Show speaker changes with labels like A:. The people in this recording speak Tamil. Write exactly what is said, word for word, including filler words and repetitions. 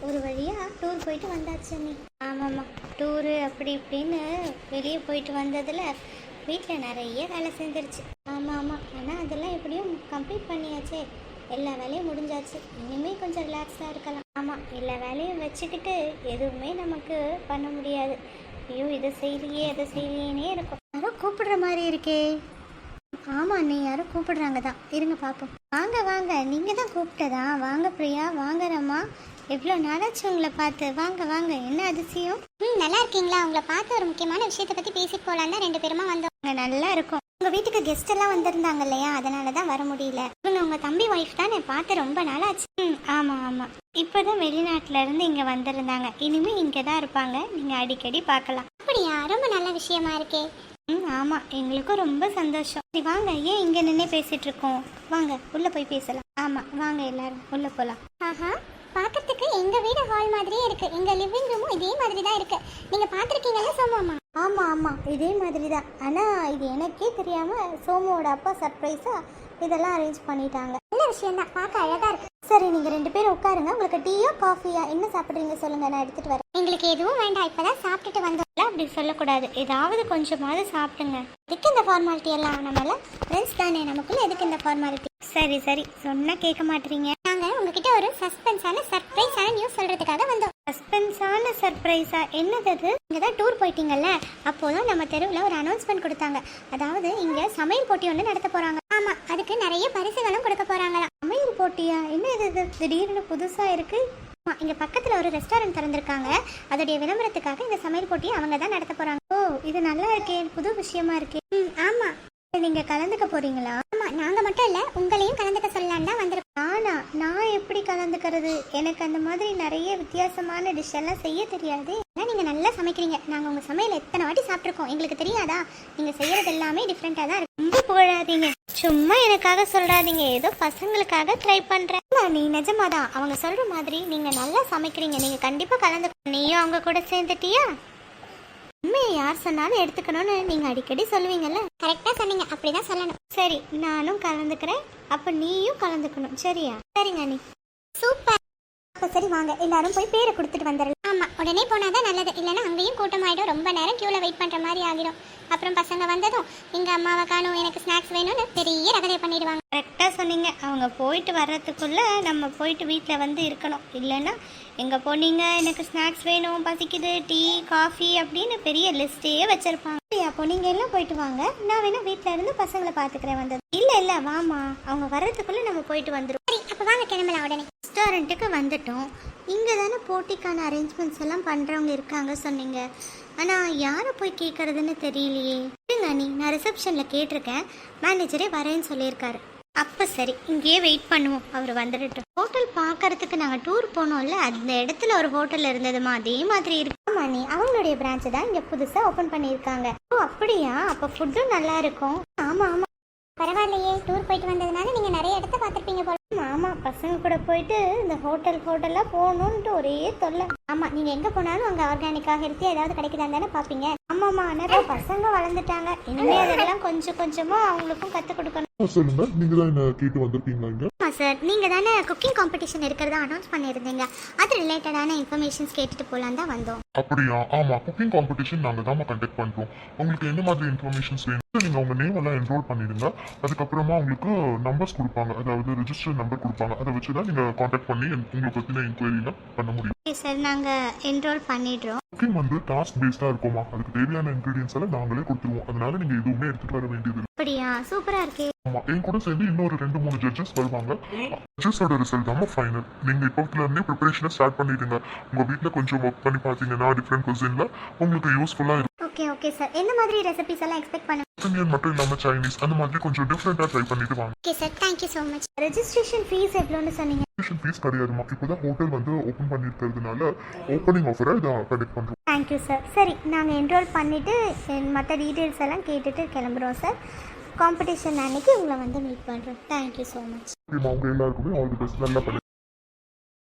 A: ஒரு வழியாக டூர் போயிட்டு வந்தாச்சு நீ. ஆமாம்மா, டூரு அப்படி இப்படின்னு வெளியே போயிட்டு வந்ததில் வீட்டில் நிறைய வேலை செஞ்சிருச்சு. ஆமாம் ஆமாம், ஆனால் அதெல்லாம் எப்படியும் கம்ப்ளீட் பண்ணியாச்சே, எல்லா வேலையும் முடிஞ்சாச்சு. இனிமேல் கொஞ்சம் ரிலாக்ஸாக இருக்கலாம். ஆமாம், எல்லா வேலையும் வச்சுக்கிட்டு எதுவுமே நமக்கு பண்ண முடியாது. ஐயோ இதை செய்யலையே அதை செய்யலையேனே இருக்கும். யாரோ கூப்பிடுற மாதிரி இருக்கே. ஆமாம், நீ யாரும் கூப்பிடுறாங்க தான், இருங்க பார்ப்போம். வாங்க வாங்க, நீங்கள் தான் கூப்பிட்டதா? வாங்க பிரியா, வாங்க ரம்மா, எவ்வளோ நாளாச்சு உங்களை பார்த்து. வாங்க வாங்க, என்ன அதிசயம்? ம் நல்லா இருக்கீங்களா? உங்களை பார்த்து ஒரு முக்கியமான விஷயத்தை பற்றி பேசிட்டு போகலான் தான் ரெண்டு பேருமா வந்தோம். நல்லா இருக்கும். உங்கள் வீட்டுக்கு கெஸ்ட் எல்லாம் வந்திருந்தாங்க இல்லையா, அதனால தான் வர முடியல. இவங்க உங்கள் தம்பி ஒய்ஃப் தான், நான் பார்த்து ரொம்ப நாளாச்சு. ம் ஆமாம் ஆமாம், இப்போ தான் வெளிநாட்டில் இருந்து இங்கே வந்திருந்தாங்க. இனிமேல் இங்கே தான் இருப்பாங்க, நீங்கள் அடிக்கடி பார்க்கலாம். அப்படியா? ரொம்ப நல்ல விஷயமா இருக்கே. ம் ஆமாம், எங்களுக்கும் ரொம்ப சந்தோஷம். சரி வாங்க, ஏன் இங்கே நின்று பேசிகிட்டு இருக்கோம், வாங்க உள்ளே போய் பேசலாம். ஆமாம் வாங்க எல்லாரும் உள்ளே போகலாம். ஆஹா, பார்க்கறதுக்கு எங்கள் வீடு ஹால் மாதிரியே இருக்குது. எங்கள் லிவிங் ரூமும் இதே மாதிரி தான் இருக்குது. நீங்கள் பார்த்துருக்கீங்கல்ல சோமாமா? ஆமாம் ஆமாம், இதே மாதிரி தான். ஆனால் இது எனக்கே தெரியாமல் சோமுவோட அப்பா சர்ப்ரைஸாக இதெல்லாம் அரேஞ்ச் பண்ணிட்டாங்க. நல்ல விஷயம் தான், பார்க்க அழகாக இருக்கு. சரி, நீங்கள் ரெண்டு பேரும் உட்காருங்க. உங்களுக்கு டீயோ காஃபியா என்ன சாப்பிட்றீங்க சொல்லுங்கள், நான் எடுத்துகிட்டு வரேன். எங்களுக்கு எதுவும் வேண்டாம், இப்போ தான் சாப்பிட்டுட்டு வந்தோம். அப்படி சொல்லக்கூடாது, ஏதாவது கொஞ்சமாவது சாப்பிடுங்க. எதுக்கு இந்த ஃபார்மாலிட்டி எல்லாம்? நம்மள ஃப்ரெண்ட்ஸ் தானே, நமக்குள்ள எதுக்கு இந்த ஃபார்மாலிட்டி? சரி சரி, சொன்னால் கேட்க மாட்டீங்க. நாங்கள் உங்ககிட்ட ஒரு சஸ்பென்ஸான சர்ப்ரைஸான நியூஸ் சொல்கிறதுக்காக வந்தோம். சஸ்பென்ஸான சர்ப்ரைஸா? என்னது அது? இங்கே தான் டூர் போயிட்டீங்கல்ல, அப்போதான் நம்ம தெருவில் ஒரு அனௌன்ஸ்மெண்ட் கொடுத்தாங்க. அதாவது இங்கே சமையல் போட்டி ஒன்று நடத்த போகிறாங்க. ஆமாம், அதுக்கு நிறைய பரிசுகளும் கொடுக்க போகிறாங்களா. சமையல் போட்டியா? என்ன இது திடீர்னு புதுசாக இருக்குது? இங்கே பக்கத்தில் ஒரு ரெஸ்டாரண்ட் திறந்திருக்காங்க. அதோடைய விளம்பரத்துக்காக இந்த சமையல் போட்டியை அவங்க தான் நடத்த போகிறாங்க. ஓ, இது நல்லா இருக்கே, புது விஷயமா இருக்கே. ம் ஆமாம், நீங்கள் கலந்துக்க போகிறீங்களா? ஆமாம், நாங்கள் மட்டும் இல்லை, உங்களையும் கலந்துக்க சொல்லலான்னு தான் வந்திருக்கோம். நானா? நான் எப்படி கலந்துக்கிறது? எனக்கு அந்த மாதிரி நிறைய வித்தியாசமான டிஷ் எல்லாம் செய்ய தெரியாது. ஆனால் நீங்கள் நல்லா சமைக்கிறீங்க. நாங்கள் உங்கள் சமையல் எத்தனை வாட்டி சாப்பிட்ருக்கோம், எங்களுக்கு தெரியாதா? நீங்கள் செய்கிறது எல்லாமே டிஃப்ரெண்ட்டாக தான் இருக்கு. ரொம்ப புகழாதீங்க, சும்மா எனக்காக சொல்கிறாதீங்க, ஏதோ பசங்களுக்காக ட்ரை பண்ணுறேன். நீ நிஜமாதான், அவங்க சொல்கிற மாதிரி நீங்கள் நல்லா சமைக்கிறீங்க. நீங்கள் கண்டிப்பாக கலந்து. நீயும் அவங்க கூட சேர்ந்துட்டியா? உண்மையை யார் சொன்னாலும் எடுத்துக்கணும்னு நீங்கள் அடிக்கடி சொல்லுவீங்கல்ல. கரெக்டாக சொன்னீங்க, அப்படி தான் சொல்லணும். சரி, நானும் கலந்துக்கிறேன், அப்போ நீயும் கலந்துக்கணும், சரியா? சரிங்க நீ. சூப்பர். அப்போ சரி வாங்க, எல்லாரும் போய் பேரை கொடுத்துட்டு வந்துடலாம். ஆமாம், உடனே போனால் தான் நல்லது, இல்லைன்னா அங்கேயும் கூட்டமாயிடும், ரொம்ப நேரம் க்யூவில் வெயிட் பண்ணுற மாதிரி ஆகிடும். அப்புறம் பசங்க வந்ததும் எங்கள் அம்மாவை காணும், எனக்கு ஸ்நாக்ஸ் வேணும்னு பெரிய ரகதை பண்ணிடுவாங்க. கரெக்டாக சொன்னீங்க. அவங்க போயிட்டு வர்றதுக்குள்ளே நம்ம போயிட்டு வீட்டில் வந்து இருக்கணும், இல்லைன்னா எங்கே போனீங்க, எனக்கு ஸ்நாக்ஸ் வேணும், பசிக்குது, டீ காஃபி அப்படின்னு பெரிய லிஸ்ட்டே வச்சுருப்பாங்க. அப்போ நீங்கள் எல்லாம் போயிட்டு வாங்க, நான் வேணா வீட்டில் இருந்து பசங்களை பார்த்துக்கிறேன். வந்தது இல்லை இல்லை, வாமா, அவங்க வர்றதுக்குள்ளே நம்ம போயிட்டு வந்துடும். சரி, அப்போ வாங்க கிளம்பலாம். உடனே ரெஸ்டாரண்ட்டுக்கு வந்துட்டோம். இங்கே தானே போட்டிக்கான அரேஞ்ச்மெண்ட்ஸ் எல்லாம் பண்ணுறவங்க இருக்காங்க சொன்னீங்க. ஆனால் யாரை போய் கேட்குறதுன்னு தெரியலையே. இல்லைங்க நீ, நான் ரிசப்ஷனில் கேட்டிருக்கேன், மேனேஜரே வரேன்னு சொல்லியிருக்காரு. அப்போ சரி, இங்கேயே வெயிட் பண்ணுவோம், அவர் வந்துடட்டும். ஹோட்டல் பார்க்கறதுக்கு நாங்கள் டூர் போனோம்ல, அந்த இடத்துல ஒரு ஹோட்டல் இருந்ததுமா, அதே மாதிரி இருக்கு. ஆமாம் நீ, அவங்களுடைய பிரான்ச்சு தான் இங்கே புதுசாக ஓப்பன் பண்ணியிருக்காங்க. ஓ அப்படியா? அப்போ ஃபுட்டும் நல்லா இருக்கும். ஆமாம் ஆமாம், பரவாயில்லையே, டூர் போயிட்டு வந்ததுனால நீங்கள் நிறைய இடத்த பார்த்துருப்பீங்க போல. ஆமாம், பசங்க கூட போயிட்டு இந்த ஹோட்டல் ஹோட்டலாக போகணுன்ட்டு ஒரே தொல்லை. ஆமாம், நீங்கள் எங்கே போனாலும் அங்கே ஆர்கானிக்காக ஹெல்த்தியாக ஏதாவது கிடைக்குதான்னு தானே பார்ப்பீங்க. ஆமாம்மா, ஆனால் பசங்க வளர்ந்துட்டாங்க, இனிமேல் அதெல்லாம் கொஞ்சம் கொஞ்சமாக அவங்களுக்கும் கற்றுக் கொடுக்கணும்.
B: சொல்லுங்க, நீங்க தான் என்ன கேட்டு வந்திருக்கீங்களா இங்க?
A: ஆமா சார், நீங்க தானே குக்கிங் காம்படிஷன் இருக்கிறதா அனௌன்ஸ் பண்ணியிருந்தீங்க, அது ரிலேட்டடான இன்ஃபர்மேஷன்ஸ் கேட்டுட்டு போலாம் தான் வந்தோம்.
B: அப்படியா? ஆமா, குக்கிங் காம்படிஷன் நாங்க தான் கண்டக்ட் பண்றோம். உங்களுக்கு என்ன மாதிரி இன்ஃபர்மேஷன்ஸ் வேணும்? நீங்க உங்க நேம் எல்லாம் என்ரோல் பண்ணிடுங்க. அதுக்கப்புறமா உங்களுக்கு நம்பர்ஸ் கொடுப்பாங்க, அதாவது ரெஜிஸ்டர் நம்பர் கொடுப்பாங்க. அதை வச்சு தான் நீங்க கான்டாக்ட் பண்ணி உங்களை பத்தின என்கொயரிலாம் பண்ண முடியும்.
A: ஓகே சார், நாங்க என்ரோல் பண்ணிடுறோம்.
B: குக்கிங் வந்து டாஸ்க் பேஸ்டா இருக்குமா, அதுக்கு தேவையான இன்கிரீடியன்ஸ் எல்லாம் நாங்களே கொடுத்துருவோம். அதனால நீங்க எதுவுமே எடுத்துட்டு வர வேண்டியது இல்லை.
A: அப்படியா? சூப்பரா இருக்கே.
B: ஆமா, என் கூட சேர்ந்து இன்னொரு ரெண்டு மூணு ஜட்ஜஸ் வருவாங்க. ஜட்ஜஸோட ரிசல்ட் தான் ஃபைனல். நீங்க இப்போத்துல இருந்தே ப்ரிப்பரேஷனை ஸ்டார்ட் பண்ணிடுங்க. உங்க வீட்டுல கொஞ்சம் ஒர்க் பண்ணி பாத்தீங்கன்னா டிஃப்ரெண்ட் குசின்ல உங்களுக்கு யூஸ்ஃபுல்லா இருக்கும்.
A: ஓகே ஓகே சார், எந்த மாதிரி ரெசிபிஸ் எல்லாம் எக்ஸ்பெக்ட் பண்ண?
B: இந்தியன் மட்டும் இல்லாம சைனீஸ், அந்த மாதிரி கொஞ்சம் டிஃப்ரெண்டா ட்ரை பண்ணிட்டு வாங்க.
A: Okay sir, thank you so much. Registration fees எவ்வளோன்னு சொன்னீங்க?
B: ரெஜிஸ்ட்ரேஷன் ஃபீஸ் கிடையாதுமா, இப்போதான் ஹோட்டல் வந்து ஓபன் பண்ணிருக்கிறதுனால ஓப்பனிங் ஆஃபரா இதை கண்டக்ட் பண்றோம்.
A: Thank you sir. சரி, நாங்கள் என்ரோல் பண்ணிட்டு மற்ற டீட்டெயில்ஸ் எல்லாம் கேட்டுட்டு கிளம்புறோம் சார். காம்படிஷன் அன்னைக்கு உங்களை வந்து மீட் பண்ணுறோம். Thank you so much.
B: அவங்க எல்லாருக்குமே ஆல் தி பெஸ்ட். நல்லா பண்ணி